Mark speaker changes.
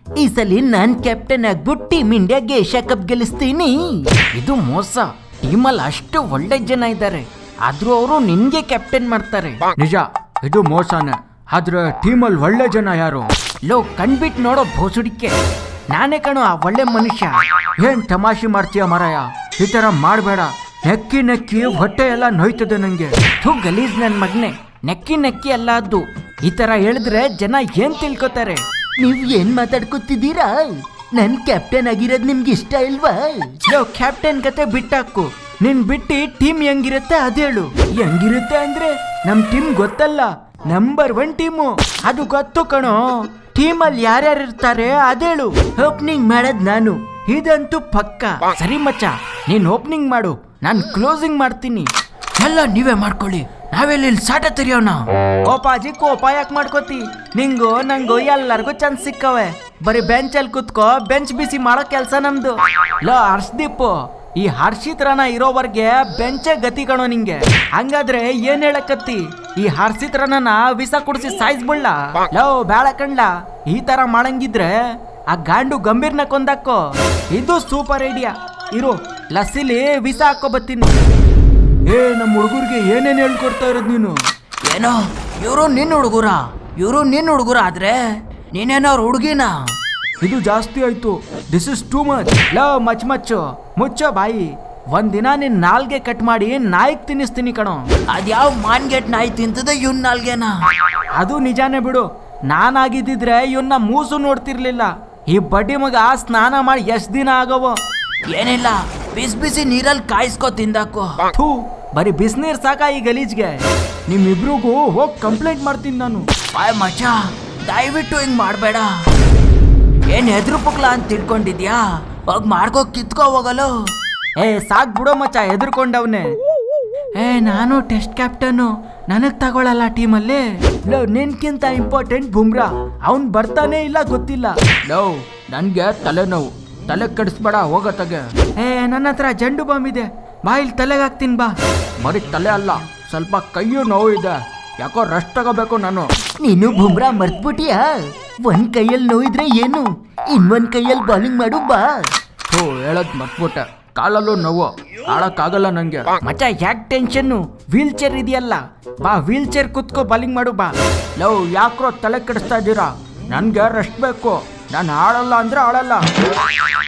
Speaker 1: ಈ ಸಲ ನಾನ್ ಕ್ಯಾಪ್ಟನ್ ಆಗ್ಬಿಟ್ಟು ಟೀಮ್ ಇಂಡಿಯಾಗೆ ಏಷ್ಯಾ ಕಪ್ ಗೆಲ್ಲಿಸ್ತೀನಿ. ಇದು ಮೋಸ. ಟೀಮಲ್ಲಿ ಅಷ್ಟು ಒಳ್ಳೆ ಜನ ಇದ್ದಾರೆ, ಆದ್ರೂ ಅವರು ನಿನ್ಗೆ ಕ್ಯಾಪ್ಟನ್ ಮಾಡ್ತಾರೆ.
Speaker 2: ನಿಜ, ಇದು ಮೋಸನೇ. ಆದ್ರೆ ಟೀಮಲ್ಲಿ ಒಳ್ಳೆ ಜನ ಯಾರು?
Speaker 1: ಲೋ ಕಣ್ಬಿಟ್ಟು ನೋಡೋ ಭೋಸುಡಿಕೆ, ನಾನೇ ಕಣೋ ಆ ಒಳ್ಳೆ ಮನುಷ್ಯ.
Speaker 2: ಏನ್ ತಮಾಷೆ ಮಾಡ್ತೀಯ ಮಾರಾಯ? ಈ ತರ ಮಾಡಬೇಡ. ನೆಕ್ಕಿ ನೆಕ್ಕಿ ಹೊಟ್ಟೆ ಎಲ್ಲ ನೋಯ್ತದೆ ನಂಗೆ.
Speaker 1: ಥೂ ಗಲೀಜ್ ನನ್ ಮಗ್ನೆ, ನೆಕ್ಕಿ ನೆಕ್ಕಿ ಅಲ್ಲ ಅದು. ಈ ತರ ಹೇಳಿದ್ರೆ ಜನ ಏನ್ ತಿಳ್ಕೊತಾರೆ? ನೀವ್ ಏನ್ ಮಾತಾಡ್ಕೊತಿದ್ದೀರಾ? ನನ್ ಕ್ಯಾಪ್ಟನ್ ಆಗಿರೋದ್ ನಿಮ್ಗೆ ಇಷ್ಟ ಇಲ್ವಾ? ಲೋ ಕ್ಯಾಪ್ಟನ್ ಕತೆ ಬಿಟ್ಟಾಕು. ನಿನ್ ಬಿಟ್ಟು ಟೀಮ್ ಹೆಂಗಿರುತ್ತೆ ಅದೇಳು.
Speaker 2: ಹೆಂಗಿರುತ್ತೆ ಅಂದ್ರೆ ನಮ್ ಟೀಮ್ ಗೊತ್ತಲ್ಲ, ನಂಬರ್ 1 ಟೀಮು.
Speaker 1: ಅದು ಗೊತ್ತು ಕಣೋ. ಟೀಮಲ್ಲಿ ಯಾರ್ಯಾರು ಇರ್ತಾರೆ ಅದೇಳು. ಓಪನಿಂಗ್ ಮಾಡೋದ್ ನಾನು, ಇದಂತೂ ಪಕ್ಕ. ಸರಿ ಮಚ್ಚ, ನೀನ್ ಓಪನಿಂಗ್ ಮಾಡು, ನಾನ್ ಕ್ಲೋಸಿಂಗ್ ಮಾಡ್ತೀನಿ. ಎಲ್ಲ ನೀವೇ ಮಾಡ್ಕೊಳ್ಳಿ, ನಾವೆಲ್ಲಿ ಸಾಟ ತೆರೆಯೋಣ. ಕೋಪಾಜಿ ಕೋಪ ಯಾಕೆ ಮಾಡ್ಕೋತಿ? ನಿಂಗು ನಂಗು ಎಲ್ಲರಿಗೂ ಚಾನ್ಸ್ ಸಿಕ್ಕವೆ. ಬರೀ ಬೆಂಚಲ್ಲಿ ಕುತ್ಕೋ, ಬೆಂಚ್ ಬಿಸಿ ಮಾಡೋ ಕೆಲ್ಸ ನಮ್ದು. ಲೋ ಹರ್ಷದೀಪ್, ಈ ಹರ್ಷಿತ್ರನ ಇರೋವರ್ಗೆ ಬೆಂಚೇ ಗತಿ ಕಣೋ ನಿಂಗೆ. ಹಂಗಾದ್ರೆ ಏನ್ ಹೇಳಕತ್ತಿ? ಈ ಹರ್ಷಿತ್ರನ ವಿಸ ಕುಡಿಸಿ ಸಾಯಿಸ್ಬಿಡ್ಲ? ಲೋ ಬೇಡ ಕಂಡ್ಲ, ಈ ತರ ಮಾಡಂಗಿದ್ರೆ ಆ ಗಾಂಡು ಗಂಭೀರ್ನ ಕೊಂದಾಕೋ. ಇದು ಸೂಪರ್ ಐಡಿಯಾ. ಇರು, ಲಸ್ಸಿಲಿ ವಿಸ ಹಾಕೋ ಬತ್ತೀನಿ.
Speaker 2: ನಮ್ಮ ಹುಡುಗರಿಗೆ ಏನೇನು ಹೇಳ್ಕೊಡ್ತಾ ಇರೋದು ನೀನು?
Speaker 1: ಏನೋ ಇವರು ನಿನ್ನ ಹುಡುಗರ ಆದ್ರೆ ನೀನೇನೋ ಅವ್ರ ಹುಡುಗಿನ.
Speaker 2: ಇದು ಜಾಸ್ತಿ ಆಯ್ತು. This is too much.
Speaker 1: ಲೋ ಮುಚ್ಚೋ ಬಾಯಿ. ಒಂದಿನ ನಿನ್ ನಾಲ್ಗೆ ಕಟ್ ಮಾಡಿ ನಾಯಿಗ್ ತಿನ್ನಿಸ್ತೀನಿ ಕಣೋ. ಅದ್ಯಾವ ಮಾನ್ಗೆಟ್ ನಾಯಿ ತಿಂತದ ಇವನ್ ನಾಲ್ಗೆನ? ಅದು ನಿಜಾನೇ ಬಿಡು. ನಾನಾಗಿದ್ದಿದ್ರೆ ಇವನ್ನ ಮೂಸು ನೋಡ್ತಿರ್ಲಿಲ್ಲ. ಈ ಬಡ್ಡಿ ಮಗ ಸ್ನಾನ ಮಾಡಿ ಎಷ್ಟ್ ದಿನ ಆಗವೋ. ಏನಿಲ್ಲ, ಬಿಸಿ ನೀರಲ್ಲಿ ಕಾಯಿಸ್ಕೋ ತಿಂದಾಕೋ. ಥೂ, ಬರೀ ಬಿಸಿನೀರ್ ಸಾಕ ಈ ಗಲೀಜ್ಗೆ.
Speaker 2: ನಿಮ್ಮಿಬ್ರಿಗೂ ಹೋಗಿ ಕಂಪ್ಲೇಂಟ್ ಮಾಡ್ತೀನಿ ನಾನು.
Speaker 1: ಬಾಯ್ ಮಚ್ಚ, ದಯವಿಟ್ಟು ಹಿಂಗ್ ಮಾಡ್ಬೇಡ. ಏನ್ ಹೆದ್ರು ಪುಕ್ಲ ಅಂತ ತಿಳ್ಕೊಂಡಿದ್ಯಾ? ಹೋಗ್ ಮಾಡ್ಕೋ, ಕಿತ್ಕೋ ಹೋಗಲು. ಸಾಕ್ ಬಿಡೋ ಮಚ್ಚ, ಹೆದರ್ಕೊಂಡವ್ನೆ. ನಾನು ಟೆಸ್ಟ್ ಕ್ಯಾಪ್ಟನ್, ನನಗ್ ತಗೊಳಲ್ಲ ಟೀಮಲ್ಲಿ. ಲೋ ನಿನ್ಕಿಂತ ಇಂಪಾರ್ಟೆಂಟ್ ಬುಮ್ರಾ, ಅವನ್ ಬರ್ತಾನೆ ಇಲ್ಲ ಗೊತ್ತಿಲ್ಲ.
Speaker 2: ಲೋ ನನ್ಗೆ ತಲೆನೋವು, ತಲೆ ಕೆಡಿಸ್ಬೇಡ, ಹೋಗತ್ತಾಗೆ.
Speaker 1: ನನ್ನ ಹತ್ರ ಜಂಡು ಬಾಂಬ್ ಇದೆ, ಬಾ ಇಲ್ಲಿ ತಲೆಗೆ ಹಾಕ್ತೀನಿ ಬಾ.
Speaker 2: ಬರೀ ತಲೆ ಅಲ್ಲ, ಸ್ವಲ್ಪ ಕೈಯು ನೋವು ಇದೆ. ಯಾಕೋ ರೆಸ್ಟ್ ತಗೋಬೇಕು ನಾನು.
Speaker 1: ನೀನು ಬುಮ್ರಾ ಮರ್ತ್ಬಿಟ್ಟಿಯಾ? ಒಂದ್ ಕೈಯಲ್ಲಿ ನೋವಿದ್ರೆ ಏನು, ಇನ್ನೊಂದ್ ಕೈಯಲ್ಲಿ ಬಾಲಿಂಗ್ ಮಾಡು ಬಾ.
Speaker 2: ಹೇಳದ್ ಮರ್ತ್ಬಿಟ್ಟೆ, ಕಾಲಲ್ಲೂ ನೋವು, ಆಡಕ್ಕಾಗಲ್ಲ ನಂಗೆ.
Speaker 1: ಮಚ್ಚ ಯಾಕೆ ಟೆನ್ಷನ್ನು? ವೀಲ್ ಚೇರ್ ಇದೆಯಲ್ಲ, ಬಾ ವೀಲ್ ಚೇರ್ ಕುತ್ಕೋ ಬಾಲಿಂಗ್ ಮಾಡು ಬಾ.
Speaker 2: ಲವ್ ಯಾಕ್ರೋ ತಲೆ ಕೆಡಿಸ್ತಾ ಇದ್ದೀರಾ? ನನ್ಗೆ ರೆಸ್ಟ್ ಬೇಕು, ನಾನು ಆಡಲ್ಲ ಅಂದ್ರೆ ಆಡಲ್ಲ.